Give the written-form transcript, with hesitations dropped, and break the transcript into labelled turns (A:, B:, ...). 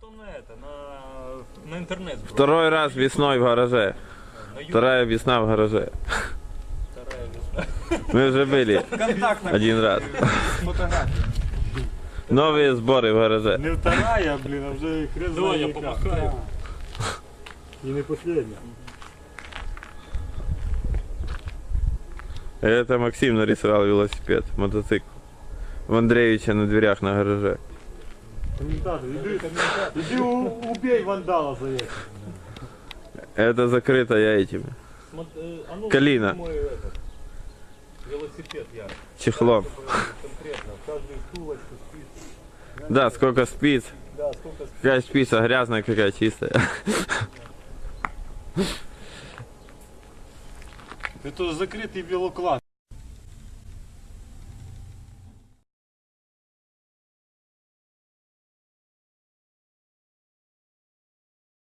A: потом на интернет.
B: Второй раз весной в гараже. Вторая весна в гараже.
A: Вторая весна.
B: Мы уже были один раз. Новые сборы в гараже.
C: Не вторая, блин, а вже хрест
A: Давай я
C: знає яка.
A: помахаю.
C: І не последня.
B: Это Максим нарисовал велосипед, мотоцикл. В Андреевича на дверях на гараже.
C: Комментатор, иди убей вандала за это.
B: Это закрыто я этими. Калина.
A: Мой этот, велосипед я.
B: Чехлом.
A: Конкретно, в каждую втулочку спиц.
B: Да, сколько спиц.
A: Да, сколько спиц.
B: Какая спица грязная, какая чистая.
C: Это закрытый велоклад.